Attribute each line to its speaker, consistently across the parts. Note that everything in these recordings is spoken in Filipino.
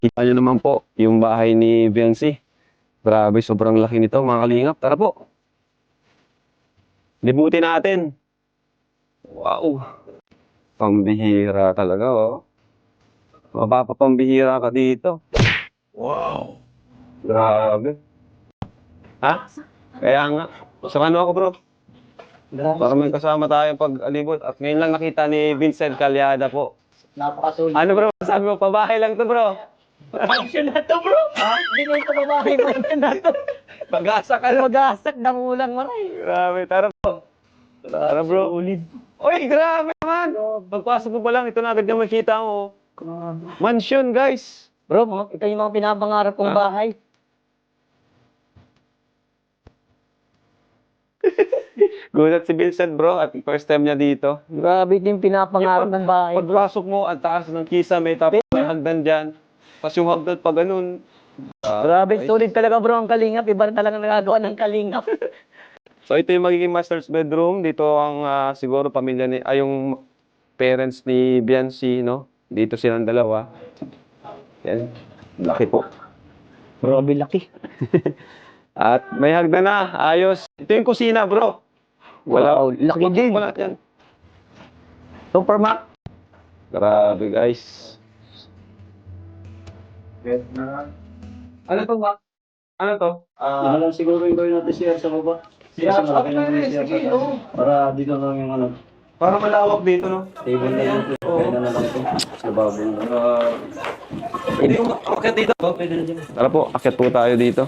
Speaker 1: Kita nyo naman po yung bahay ni Viancy. Grabe, sobrang laki nito mga kalingap. Tara po. Libutin natin. Wow. Pambihira talaga, oh. Mapapapambihira ka dito. Wow. Grabe. Ha? Kaya nga. Samahan mo ako, bro. Para may kasama tayo pag-alibot. At ngayon lang nakita ni Vincent Calyada po.
Speaker 2: Napakasulit.
Speaker 1: Ano, bro? Sabi mo, pabahay lang to, bro.
Speaker 2: Mansion na to, bro. Ha? Hindi na ito babae. Mansion na to.
Speaker 1: Pag-asa ka na.
Speaker 2: Mag-asak ng ulang maray.
Speaker 1: Grabe, tara po. Tara, bro.
Speaker 2: Ulit.
Speaker 1: Uy, grabe naman. Pagpasok mo pa lang, ito na agad yung makita mo. Mansion, guys.
Speaker 2: Bro, ito yung mga pinapangarap kong bahay.
Speaker 1: Gulat si Vincent, bro, at first time niya dito.
Speaker 2: Grabe ito yung pinapangarap ng bahay.
Speaker 1: Pagpasok mo, ang taas ng kisame, tapos may hagdan dyan. Tapos yung hagdan pa ganun.
Speaker 2: Grabe, solid talaga bro ang kalingap. Iba na talaga nagagawa ng kalingap.
Speaker 1: So ito yung magiging master's bedroom. Dito ang siguro pamilya ni, yung parents ni Viancy, no? Dito silang dalawa. Yan. Laki po.
Speaker 2: Grabe, laki.
Speaker 1: At may hagdan na. Ayos. Ito yung kusina, bro.
Speaker 2: Wow, laki din.
Speaker 1: Wala yan.
Speaker 2: Supermax.
Speaker 1: Grabe, guys. Ano to, Mac? Ano to?
Speaker 3: Ano lang siguro yung gawin natin siya sa baba.
Speaker 1: Siya,
Speaker 3: Kasi malaki
Speaker 1: okay,
Speaker 3: lang yung
Speaker 1: sige,
Speaker 3: siya.
Speaker 1: oo.
Speaker 3: Para dito lang yung ano,
Speaker 1: Para malawak dito, no?
Speaker 3: table na lang. Kaya na lang ito. Sa babo na.
Speaker 1: Pwede ko akit dito.
Speaker 3: Pwede na dyan.
Speaker 1: Tara po, akit po tayo dito.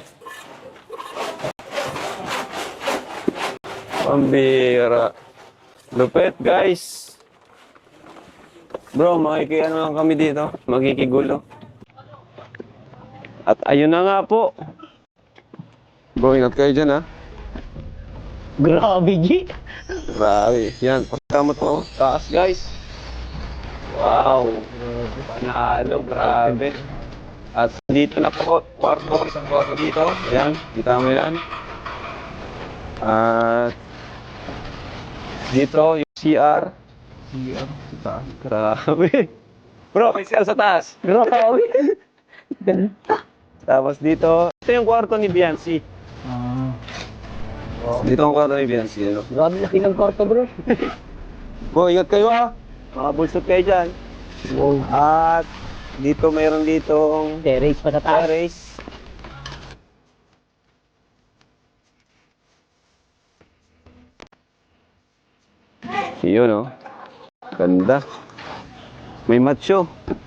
Speaker 1: Pambira. Lupet, guys. Bro, makikiano lang kami dito. Makikigulo. At ayun na nga po. Bro, ingat kayo dyan, ha?
Speaker 2: Grabe, G.
Speaker 1: Grabe. Yan, pagkamot mo. Taas, guys. Wow. Panalo, grabe. At dito na po, kwarto, isang kwarto dito. Ayan, kita mo yan. At dito, yung CR. Grabe. Bro, may CR sa taas.
Speaker 2: Grabe. Ganda.
Speaker 1: Tapos dito, ito yung kwarto ni Viancy. Dito ang kwarto ni Viancy. Ano?
Speaker 2: Grabe, laki ng kwarto, bro.
Speaker 1: Bro, ingat kayo, ha. Mga bulsot kayo dyan.
Speaker 2: Wow.
Speaker 1: At dito, mayroon ditong
Speaker 2: Terrace pa sa taas.
Speaker 1: terrace. Yun, oh. Ganda. May macho.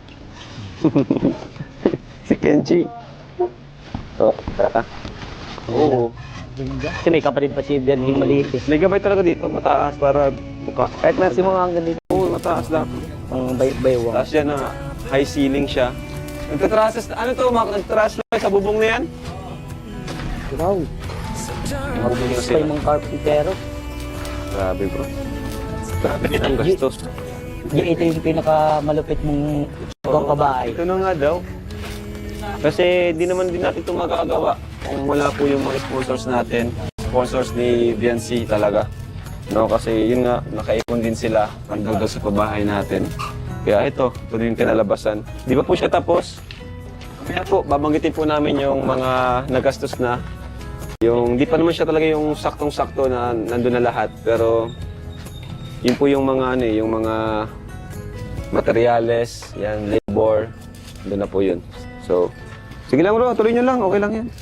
Speaker 1: Si Kenji. Oh, tara. Oo.
Speaker 2: Kasi may kapatid pa si Bian, yung maliit eh.
Speaker 1: May gabay talaga dito, mataas para buka.
Speaker 2: Kahit nasi mo hanggang dito,
Speaker 1: Oo, mataas lang.
Speaker 2: ang baywang.
Speaker 1: Tapos yan na, high ceiling siya. Nagtatrases, ano to, nagtatrases lang sa bubong na yan?
Speaker 2: Wow.
Speaker 1: Marunong na
Speaker 2: Pa
Speaker 1: sila.
Speaker 2: yung mga carpentero.
Speaker 1: Grabe, bro. Grabe ang gastos.
Speaker 2: Ito yung pinakamalupit mong ibang kabahay.
Speaker 1: Ito na nga daw. Kasi di naman din natin ito magagawa kung wala po yung mga sponsors natin. Sponsors ni Viancy talaga. No, kasi yun nga, nakaipon din sila hanggang sa pabahay natin. Kaya ito din yung kinalabasan. Di ba po siya tapos? Kaya po, babanggitin po namin yung mga nagastos na. Yung, di pa naman siya talaga yung saktong-sakto na nandun na lahat. Pero, yun po yung mga, yung mga materyales, yan, labor, doon na po yun. So, sige lang bro, tuloy nyo lang, okay lang yan.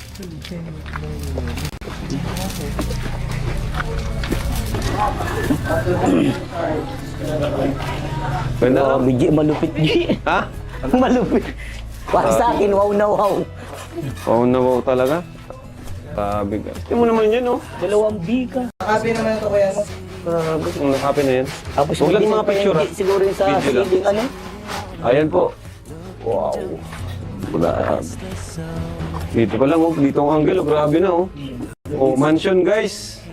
Speaker 1: Ganda no?
Speaker 2: Grabe, G. Malupit, G.
Speaker 1: Ha?
Speaker 2: Malupit. Para sa akin, wow na wow.
Speaker 1: Oo na wow talaga. Grabe guys. Tingnan mo naman yun, oh.
Speaker 2: 2 biga.
Speaker 1: Grabe, kung nakapi na yan.
Speaker 2: Tapos
Speaker 1: Huwag lang
Speaker 2: yung
Speaker 1: mga picture, ha?
Speaker 2: siguro yung sa
Speaker 1: Video lang.
Speaker 2: ceiling, ano?
Speaker 1: Ayan po. Wow. Grabe. Dito pa lang, oh. Dito ang angle, oh. Grabe na, oh. Oh, mansion, guys.